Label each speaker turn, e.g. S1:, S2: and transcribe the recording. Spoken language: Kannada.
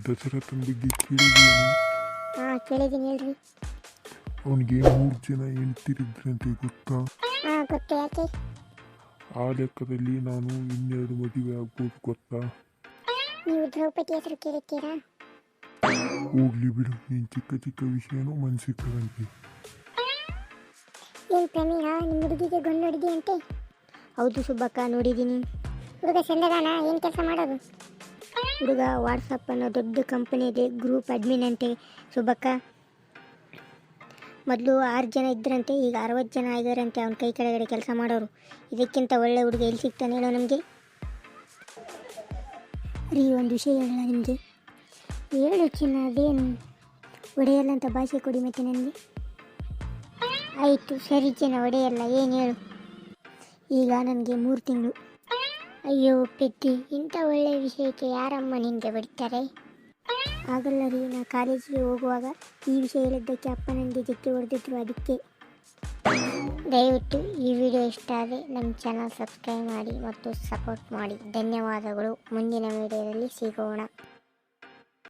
S1: ದಶರಥನ ಬಗ್ಗೆ ಕೇಳಿದ್ದೀನಿ.
S2: ಹಾಂ ಕೇಳಿದ್ದೀನಿ ಹೇಳ್ರಿ.
S1: ಅವನಿಗೆ 3 ಜನ ಹೇಳ್ತಿರಿದ್ರಂತೆ ಗೊತ್ತಾ?
S2: ಹಾಂ ಗೊತ್ತು. ಯಾಕೆ?
S1: ಆ ಲೆಕ್ಕದಲ್ಲಿ ನಾನು 12 ಮದುವೆ ಆಗ್ಬೋದು ಗೊತ್ತಾ?
S2: ನೀವು ದ್ರೌಪದಿ ಹೆಸರು ಕೇಳಿರ್ತೀರಾ?
S1: ಹೋಗ್ಲಿ ಬಿಡು, ನೀನು ಚಿಕ್ಕ ಚಿಕ್ಕ ವಿಷಯನೂ ಮನಸ್ಸಿಕ್ಕದಂತೆ.
S2: ಏನು ಪ್ರಮೀಳ, ನಿಮ್ಮ ಹುಡುಗಿಗೆ ಗಂಡು ನೋಡಿದೆಯಂತೆ?
S3: ಹೌದು ಸುಬ್ಬಕ್ಕ, ನೋಡಿದ್ದೀನಿ.
S2: ಹುಡುಗ ಚಂದದಾನ? ಏನು ಕೆಲಸ ಮಾಡೋದು?
S3: ಹುಡುಗ ವಾಟ್ಸಪ್ ಅನ್ನೋ ದೊಡ್ಡ ಕಂಪನಿಯಲ್ಲಿ ಗ್ರೂಪ್ ಅಡ್ಮಿನ್ ಅಂತೆ ಸುಬ್ಬಕ್ಕ. ಮೊದಲು 6 ಜನ ಇದ್ದರಂತೆ, ಈಗ 60 ಜನ ಆಗಿದಾರಂತೆ ಅವನ ಕೈ ಕೆಳಗಡೆ ಕೆಲಸ ಮಾಡೋರು. ಇದಕ್ಕಿಂತ ಒಳ್ಳೆ ಹುಡುಗ ಎಲ್ಲಿ ಸಿಗ್ತಾನೆ ಹೇಳೋ ನಮಗೆ? ರೀ, ಒಂದು ವಿಷಯ ಹೇಳಲ್ಲ ನಿಮಗೆ?
S2: ಹೇಳು ಚಿನ್ನ, ಅದೇನು?
S3: ಒಡೆಯಲ್ಲ ಅಂತ ಭಾಷೆ ಕೊಡಿ ಮತ್ತೆ ನನಗೆ.
S2: ಆಯಿತು ಸರಿ ಚಿನ್ನ, ಒಡೆಯಲ್ಲ. ಏನು ಹೇಳು?
S3: ಈಗ ನನಗೆ 3 ತಿಂಗಳು.
S2: ಅಯ್ಯೋ ಪೆದ್ದಿ, ಇಂಥ ಒಳ್ಳೆಯ ವಿಷಯಕ್ಕೆ ಯಾರಮ್ಮ ನಿನಗೆ ಬಿಡ್ತಾರೆ?
S3: ಆಗಲ್ಲ ರೀ, ನಾ ಕಾಲೇಜಿಗೆ ಹೋಗುವಾಗ ಈ ವಿಷಯ ಹೇಳಿದ್ದಕ್ಕೆ ಅಪ್ಪ ನನಗೆ ಜಕ್ಕೆ ಹೊಡೆದಿದ್ರು, ಅದಕ್ಕೆ.
S2: ದಯವಿಟ್ಟು ಈ ವಿಡಿಯೋ ಇಷ್ಟ ಆದರೆ ನಮ್ಮ ಚಾನಲ್ ಸಬ್ಸ್ಕ್ರೈಬ್ ಮಾಡಿ ಮತ್ತು ಸಪೋರ್ಟ್ ಮಾಡಿ. ಧನ್ಯವಾದಗಳು. ಮುಂದಿನ ವಿಡಿಯೋದಲ್ಲಿ ಸಿಗೋಣ.